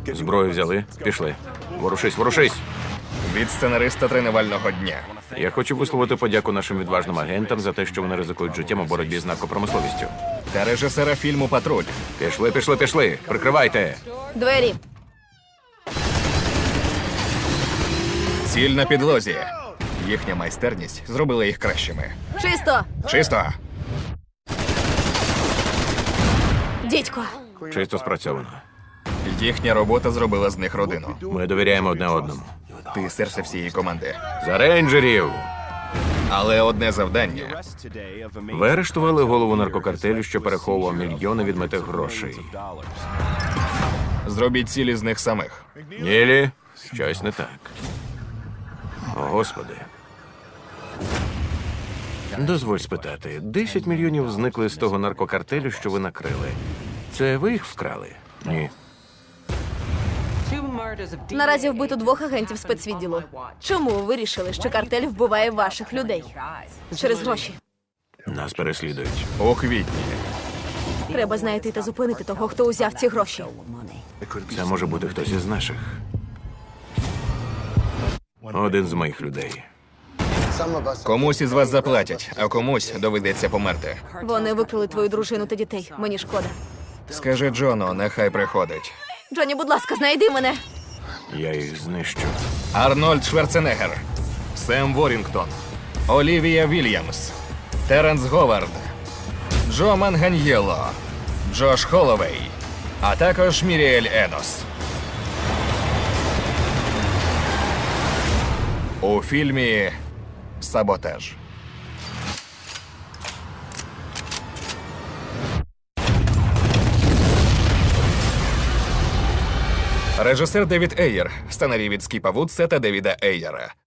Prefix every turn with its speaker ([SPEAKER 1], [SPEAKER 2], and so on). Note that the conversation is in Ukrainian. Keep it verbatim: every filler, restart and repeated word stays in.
[SPEAKER 1] Зброю взяли? Пішли. Ворушись, ворушись!
[SPEAKER 2] Від сценариста тренувального дня.
[SPEAKER 1] Я хочу висловити подяку нашим відважним агентам за те, що вони ризикують життям у боротьбі з наркопромисловістю.
[SPEAKER 2] Та режисера фільму «Патруль».
[SPEAKER 1] Пішли, пішли, пішли! Прикривайте!
[SPEAKER 3] Двері.
[SPEAKER 2] Ціль на підлозі. Їхня майстерність зробила їх кращими.
[SPEAKER 3] Чисто.
[SPEAKER 2] Чисто.
[SPEAKER 3] Дідько.
[SPEAKER 1] Чисто спрацьовано.
[SPEAKER 2] Їхня робота зробила з них родину.
[SPEAKER 1] Ми довіряємо одне одному.
[SPEAKER 2] Ти серце всієї команди.
[SPEAKER 1] За рейнджерів!
[SPEAKER 2] Але одне завдання.
[SPEAKER 1] Ви арештували голову наркокартелю, що переховував мільйони відмитих грошей.
[SPEAKER 2] Зробіть цілі з них самих.
[SPEAKER 1] Нілі, щось не так. О, Господи. Дозволь спитати, десять мільйонів зникли з того наркокартелю, що ви накрили. Це ви їх вкрали? Ні.
[SPEAKER 3] Наразі вбито двох агентів спецвідділу. Чому ви вирішили, що картель вбиває ваших людей? Через гроші.
[SPEAKER 1] Нас переслідують.
[SPEAKER 2] У квітні.
[SPEAKER 3] Треба знайти та зупинити того, хто узяв ці гроші.
[SPEAKER 1] Це може бути хтось із наших. Один з моїх людей.
[SPEAKER 2] Комусь із вас заплатять, а комусь доведеться померти.
[SPEAKER 3] Вони викрали твою дружину та дітей. Мені шкода.
[SPEAKER 2] Скажи Джону, нехай приходить.
[SPEAKER 3] Джоні, будь ласка, знайди мене.
[SPEAKER 1] Я їх знищу.
[SPEAKER 2] Арнольд Шварценеггер, Сем Ворінгтон, Олівія Вільямс, Теренс Говард, Джо Манганьєло, Джош Холловей, а також Міріель Енос. У фільмі «Саботаж». Режисер Девід Ейєр, сценарій від Скіпа Вудса та Девіда Ейєра.